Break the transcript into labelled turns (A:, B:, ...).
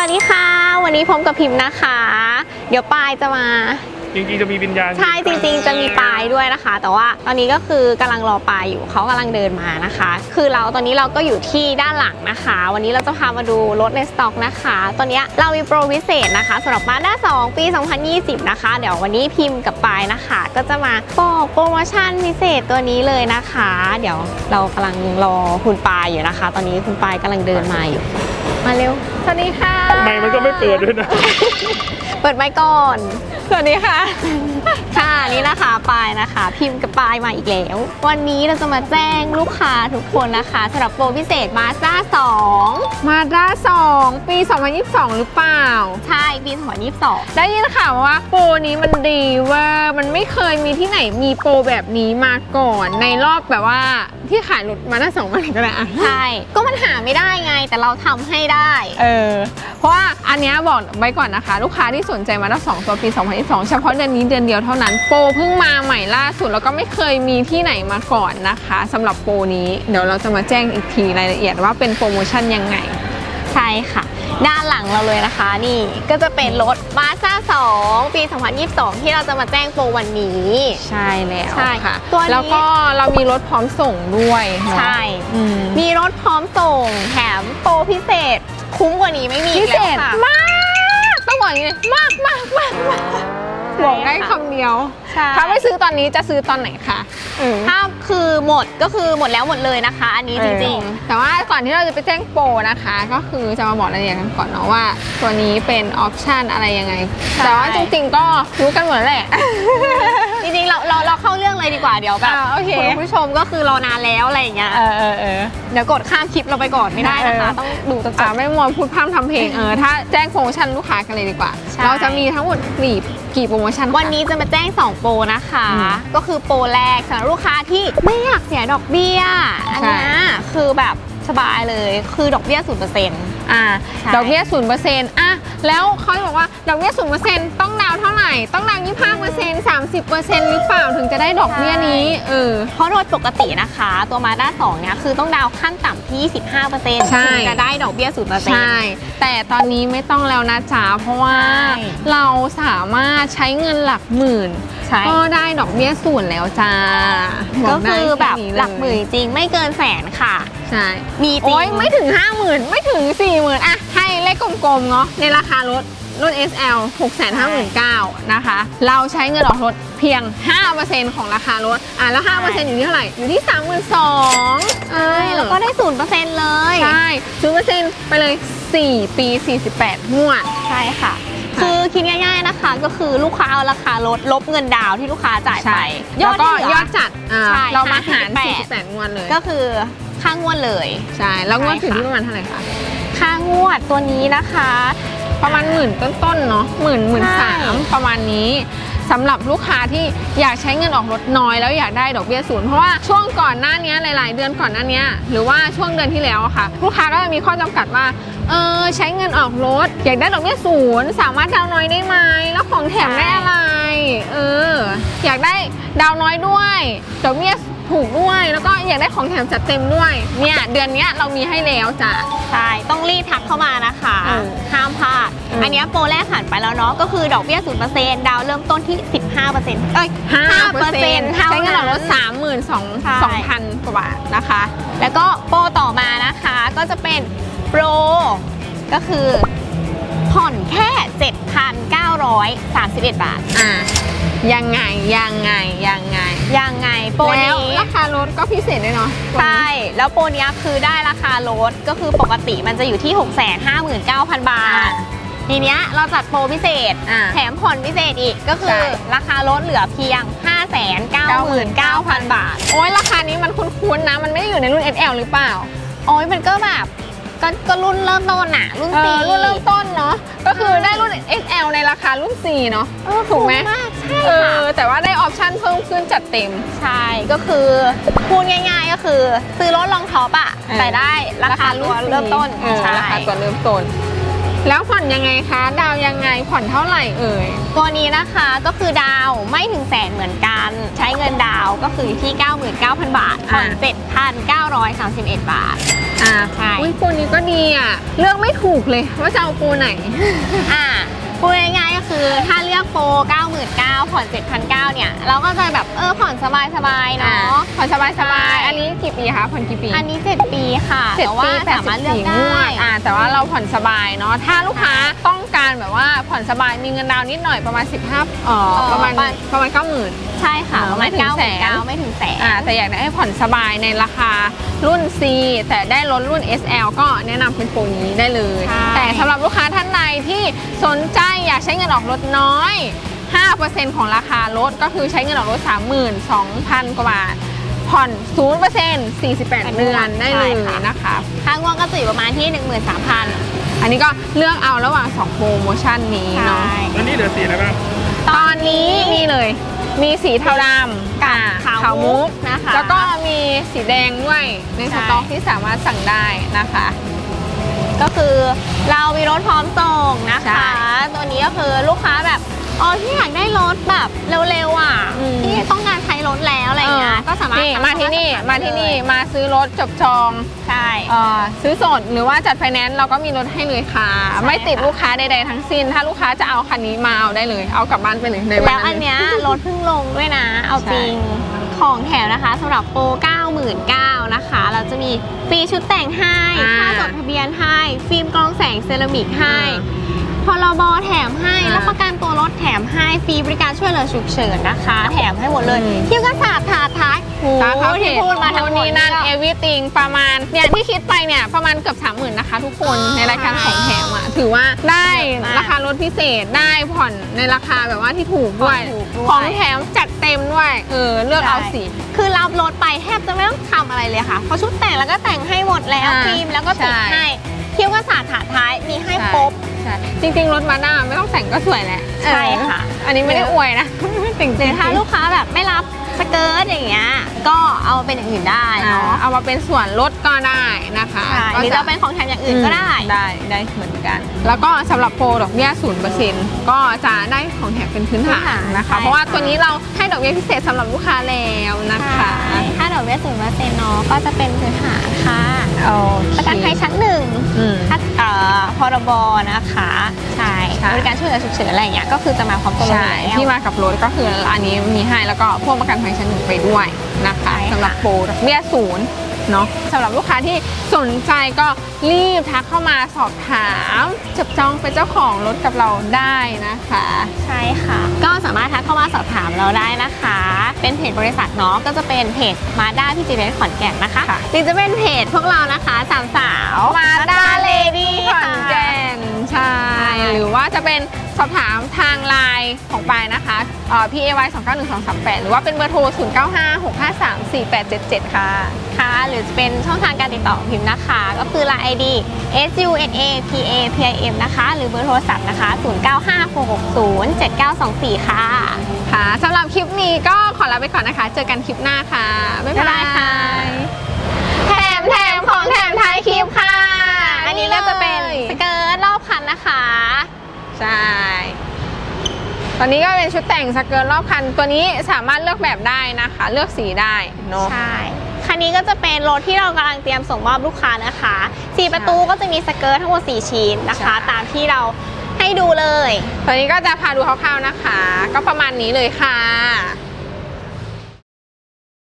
A: วัสดีค่ะวันนี้พบกับพิมพ์นะคะเดี๋ยวปายจะมา
B: จริงๆจะมีวิญญาณ
A: ใช่จริงๆจะมีปายด้วยนะคะแต่ว่าตอนนี้ก็คือกำลังรอปายอยู่เขากำลังเดินมานะคะคือตอนนี้เราก็อยู่ที่ด้านหลังนะคะวันนี้เราจะพามาดูรถในสต็อกนะคะตอนนี้เรามีโปรพิเศษนะคะสำหรับ Mazda 2 ปี 2020 นะคะเดี๋ยววันนี้พิมพ์กับปายนะคะก็จะมาบอกโปรโมชั่นพิเศษตัวนี้เลยนะคะเดี๋ยวเรากำลังรอคุณปายอยู่นะคะ ตอนนี้คุณปายกำลังเดินมาอยู่มาเร็วสวัสดีค่ะ
B: ไม่มันก็ไม่เปิดด้วยนะ
A: เปิดไมค์ก่อนสวัสดีค่ะค่ะนี่นะคะปายนะคะพิมพ์กับปายมาอีกแล้ววันนี้เราจะมาแจ้งลูกค้าทุกคนนะคะสำหรับโปรพิเศษ Mazda 2
C: Mazda 2 ปี 2022 หรือเปล่า
A: ใช่ปี 2022
C: ได้ยินข่าวว่าโปรนี้มันดีว่ามันไม่เคยมีที่ไหนมีโปรแบบนี้มาก่อนในรอบแบบว่าที่ขายรถ Mazda 2มาก็ได้อะ
A: ใช่ก็มันหาไม่ได้ไงแต่เราทำให้ได้
C: เพราะว่าอันนี้บอกไว้ก่อนนะคะลูกค้าที่สนใจ Mazda 2 ตัวปี 2022 เฉพาะเดือนนี้เดือนเดียวเท่านั้นโปรเพิ่งมาใหม่ล่าสุดแล้วก็ไม่เคยมีที่ไหนมาก่อนนะคะสำหรับโปรนี้เดี๋ยวเราจะมาแจ้งอีกทีรายละเอียดว่าเป็นโปรโมชั่นยังไง
A: ใช่ค่ะด้านหลังเราเลยนะคะนี่ก็จะเป็นรถ Mazda 2 ปี 2022 ที่เราจะมาแจ้งโปรวันนี้
C: ใช่แล้ว
A: ใช่
C: ค่ะแล้วก็เรามีรถพร้อมส่งด้วย
A: ใช่มีรถพร้อมส่งแถมโปรพิเศษคุ้มกว่านี้ไม่มี
C: พิเศษมากต้องบอกอย่างนี้มากบอกได้คำเดียวถ้าไม่ซื้อตอนนี้จะซื้อตอนไหนคะ
A: ถ้าคือหมดก็คือหมดแล้วหมดเลยนะคะอันนี้จริง
C: ๆแต่ว่าก่อนที่เราจะไปแจ้งโปรนะคะก็คือจะมาบอกรายละเอียดกันก่อนเนาะว่าตัวนี้เป็นออปชันอะไรยังไงแต่ว่าจริงๆก็รู้กันหมดแหละ
A: จริงๆเราเข้าเรื่องเลยดีกว่าเดี๋ยวแบบคุณผู้ชมก็คือรอนานแล้วอะไรอย่างเงี้ยเดี๋ยวกดข้ามคลิปเราไปก่อนไม่ได้นะคะต้องดูจนจบ
C: ไม่มัวพูดพร่ำทำเพลงถ้าแจ้งโปรโมชั่นลูกค้ากันเลยดีกว่าเราจะมีทั้งหมดกี่โปรโมชั่น
A: วันนี้จะมาแจ้ง2โปรนะคะก็คือโปรแรกสำหรับลูกค้าที่ไม่อยากเสียดอกเบี้ยอันนี้คือแบบสบายเลยคือดอกเบี้ย 0%
C: ดอกเบี้ย 0% แล้วเขาบอกว่าดอกเบี้ย 0% ต้องดาวเท่าไหร่ต้องดาว 25% 30% หรือเปล่าถึงจะได้ดอกเบี้ยนี้
A: เพราะโดยปกตินะคะตัว Mazda 2 เนี่ยคือต้องดาวขั้นต่ำที่ 25% ถึงจะได้ดอกเบี้ย 0%
C: ใช่แต่ตอนนี้ไม่ต้องแล้วนะจ๊ะเพราะว่าเราสามารถใช้เงินหลักหมื่นก็ได้ดอกเบี้ย0แล้วจ้า
A: ก็คือแบบหลักหมื่นจริงไม่เกินแสนค่ะ
C: ใช่
A: มีจริง
C: ไม่ถึง 50,000 ไม่ถึง 40,000ให้เลขกลมๆเนาะในราคารถรุ่น SL 659,000 นะคะเราใช้เงินออกรถเพียง 5% ของราคารถแล้ว 5% อยู่ที่เท่าไหร่อยู่ที่ 32,000
A: แล้วก็ได้ 0% เลย
C: ใช่ 0% ไปเลย4 ปี 48 งวด
A: ใช่ค่ะคือคิดง่ายๆนะคะก็คือลูกค้าเอาราคารถลบเงินดาวที่ลูกค้าจ่ายไป
C: แล้วก็ยอดจัดเรามาหาร48 งวดเลย
A: ก็คือค่างวดเลย
C: ใช่แล้วงวดถึงที่ประมาณเท่าไหร่คะ
A: ค่างวดตัวนี้นะคะ
C: ประมาณ10,000ต้นๆเนาะ13,000ประมาณนี้สำหรับลูกค้าที่อยากใช้เงินออกรถน้อยแล้วอยากได้ดอกเบี้ย0เพราะว่าช่วงก่อนหน้านี้หลายๆเดือนก่อนหน้านี้หรือว่าช่วงเดือนที่แล้วค่ะลูกค้าก็จะมีข้อจำกัดว่าใช้เงินออกรถอยากได้ดอกเบี้ย0สามารถดาวน้อยได้ไหมแล้วของแถมได้อะไรอยากได้ดาวน้อยด้วยดอกเบี้ยถูกด้วยแล้วก็อยากได้ของแถมจัดเต็มด้วยเนี่ยเดือนนี้เรามีให้แล้วจ้ะ
A: ใช่ต้องรีบทักเข้ามานะคะห้ามพลาดอันนี้โปรแรกผ่านไปแล้วเนาะก็คือดอกเบี้ย 0% ดาวเริ่มต้นที่ 15% 5%
C: ใช้เงินออกรถ 32,000 กว่าบาทนะคะ
A: แล้วก็โปรต่อมานะคะก็จะเป็นโปรก็คือผ่อนแค่ 7,931 บาท
C: ยังไง
A: โปรนี้
C: ราคารถก็พิเศษด้วยเนาะ
A: ใช่แล้วโปรนี้คือได้ราคารถก็คือปกติมันจะอยู่ที่ 659,000 บาททีเนี้ยเราจัดโปรพิเศษแถมผ่อนพิเศษอีกก็คือราคารถเหลือเพียง 599,000 บาท
C: โอ้ยราคานี้มันคุ้นๆนะมันไม่ได้อยู่ในรุ่น SL หรือเปล่า
A: โอ้ยมันก็แบบก็รุ่นเริ่มต้นรุ่น 4
C: รุ่นเริ่มต้นเนาะก็คือได้รุ่น XL ในราคารุ่น 4 เนาะถูกไหม
A: ใช่ค่ะ
C: แต่ว่าได้ออปชั่นเพิ่มขึ้นจัดเต็ม
A: ใช่ก็คือพูดง่ายๆก็คือซื้อรถลองท็อปแต่ได้ราคารุ่นเริ่มต้น
C: ราคาตัวเริ่มต้นแล้วผ่อนยังไงคะดาวยังไงผ่อนเท่าไหร่
A: ตัวนี้นะคะก็คือดาวไม่ถึงแสนเหมือนกันใช้เงินดาวก็คือที่ 99,000 บาทผ่อน 7,931 บาทใช่
C: อุ้ยปูนี้ก็ดีอ่ะเลือกไม่ถูกเลยว่าจะเอาปูไหน
A: พูดง่ายๆก็คือถ้าเลือกโปร 99,000 ผ่อน 7,900 เนี่ยเราก็จะแบบผ่อนสบายๆเนาะ
C: ผ่อนสบายๆอันนี้กี่ปีคะผ่อนกี่ปี
A: อันนี้ 7 ปีค่ะ
C: 7
A: แต่ว่า
C: ปี
A: สามารถเลือก
C: 84
A: ได้
C: งวดแต่ว่าเราผ่อนสบายเนาะถ้าลูกค้าต้องการแบบว่าผ่อนสบายมีเงินดาวน์นิดหน่อยประมาณประมาณ 90,000
A: ใช่ค่ะประมาณ
C: ไม่ถึงแสน
A: 99,000 ไม่ถึงแสน
C: แต่อยากได้ให้ผ่อนสบายในราคารุ่น C แต่ได้รถรุ่น SL ก็แนะนำเป็นโปรนี้ได้เลย
A: ใช่
C: แต่สำหรับลูกค้าท่านใดที่สนใจอยากใช้เงินออกรถน้อย 5% ของราคารถก็คือใช้เงินออกรถ 32,000 กว่าบาท ผ่อน 0% 48 เดือนได้เลยนะคะ
A: ค่างวดก็จะอยู่ประมาณที่ 13,000
C: อันนี้ก็เลือกเอาระหว่าง 2 โปรโมชั่นนี้เนาะ
B: แล้วนี่เหลือสีอะไรบ้าง
C: ตอนนี้นี่เลย มีสีเทาดำ
A: กับ
C: ขาวมุก
A: นะคะ
C: แล้วก็มีสีแดงด้วยในสต็อกที่สามารถสั่งได้นะคะ
A: ก็คือเรามีรถพร้อมส่งนะ
C: ใช่
A: คะ ตัวนี้ก็คือลูกค้าแบบที่อยากได้รถแบบเร็วๆอ่ะ
C: อืม
A: ที่ต้องการใช้รถแล้วอะไรอย่างเงี้ยก็สามารถ
C: นี่มาที่นี่
A: สั่ง
C: มาที่นี่มาซื้อรถจบจอง
A: ใช่
C: ซื้อสดหรือว่าจัดไฟแนนซ์เราก็มีรถให้เลยค่ะ
A: ใช่
C: ไม่ติด
A: ค่ะ
C: ลูกค้าใดๆทั้งสิ้น ถ้าลูกค้าจะเอาคันนี้มาเอาได้เลย เอากลับบ้านไปเลยในวัน
A: แล้วอั
C: นั้น น
A: เนี้ยรถเพิ่งลงด้วยนะ เอาจริง ของแถมนะคะสำหรับโปร 99,000 นะคะ เราจะมีฟรีชุดแต่งให้ ค่าจดทะเบียนให้ ฟิล์มกรองแสงเซรามิกให้พรบแถมให้แล้วประกันตัวรถแถมให้ฟรีบริการช่วยเหลือฉุกเฉินนะคะ แถมให้หมดเลยเที่ยวกันศาสตร์ถาดท้ายโอ้
C: ตามเขา
A: ที่พูดมาทั้งหมด
C: นี้นั่นเอวิติงประมาณเนี่ยที่คิดไปเนี่ยประมาณเกือบ 30,000 นะคะทุกคนในรายการของแถมอ่ะถือว่าได้ราคารถพิเศษได้ผ่อนในราคาแบบว่าที่ถูกด้วย ของแถมจัดเต็มด้วยเลือกเอาสี
A: คือรับรถไปแทบจะไม่ต้องทำอะไรเลยค่ะเพราะชุดแต่งแล้วก็แต่งให้หมดแล้วฟิล์มแล้วก็ติดให้เที่ยวกันศาสตร์ถาดท้ายมีให้ครบ
C: ใช่จริงๆรถมาด้าไม่ต้องแต่งก็สวยแหละ
A: ใช่ค่ะ
C: อันนี้ไม่ได้อวยนะจริง
A: หรือถ้าลูกค้าแบบไม่รับสเกิร์ตอย่างเงี้ยก็เอามาเป็นอย่างอื่นได้เนาะ
C: เอามาเป็นส่วนลดก็ได้นะคะ
A: ใช่หรือจะเป็นของแถมอย่างอื่นก็ได้
C: ได้เหมือนกัน แล้วก็สำหรับโปรดอกเบี้ย 0% ก็จะได้ของแถมเป็นพื้นฐานนะคะ
A: ใช่
C: เพราะว่าตัวนี้เราให้ดอกเบี้ยพิเศษสำหรับลูกค้าแล้วนะคะ
A: ถ้าดอกเบี้ย 0% เนาะก็จะเป็นพื้นฐานค่ะ
C: โอ
A: ประกันภัยชั้นหนึ่ง
C: อืม
A: พรบนะคะใช่
C: ใช่
A: บริการช่วยเหลือฉุกเฉินอะไรอย่างเงี้ยก็คือจะมาพร้อมตัวรถ
C: ใช่
A: แล้ว
C: ที่มากับรถก็คืออันนี้มีให้แล้วก็พ่วงประกันภัยชั้นหนึ่งไปด้วยนะคะ
A: ใช่ค่ะ
C: สำหรับโปรดอกเบี้ย 0เนาะสำหรับลูกค้าที่สนใจก็รีบทักเข้ามาสอบถามจับจองเป็นเจ้าของรถกับเราได้นะคะ
A: ใช่ค่ะ ก็สามารถทักเข้ามาสอบถามเราได้นะคะ เป็นเพจบริษัทเนาะก็จะเป็นเพจมาด้าพี่จีเรสขอนแก่นนะคะ
C: ค่ะ
A: หรือจะเป็นเพจพวกเรานะคะสามสาว
C: มาด้าเลดี้ข
A: ค่ะ
C: อนแก่นใช่ หรือว่าจะเป็นสอบถามทางไลน์ของปายนะคะ PAY 291238 หรือว่าเป็นเบอร์โทร 0956534877 ค่ะ
A: ค่ะ หรือจะเป็นช่องทางการติดต่อของพิมพ์นะคะ ก็คือ Line ID SUNAPAPIM นะคะ หรือเบอร์โทรศัพท์นะคะ 0956607924 ค่ะ
C: ค่ะสำหรับคลิปนี้ก็ขอลาไปก่อนนะคะ เจอกันคลิปหน้าค่ะ บ๊ายบายค่ะ
A: แถมของแถมท้ายคลิปค่ะ อันนี้ก็จะเป็นสเกิร์ตรอบคันนะคะ
C: ใช่ ตอนนี้ก็เป็นชุดแต่งสเกิร์ตรอบคัน ตัวนี้สามารถเลือกแบบได้นะคะ เลือกสีได้เนาะ
A: ใช่ คันนี้ก็จะเป็นรถที่เรากำลังเตรียมส่งมอบลูกค้านะคะ4ประตูก็จะมีสเกิร์ตทั้งหมด4ชิ้นนะคะ
C: ใช่
A: ตามที่เราให้ดูเลย
C: ตอนนี้ก็จะพาดูคร่าวๆนะคะ ก็ประมาณนี้เลยค่ะ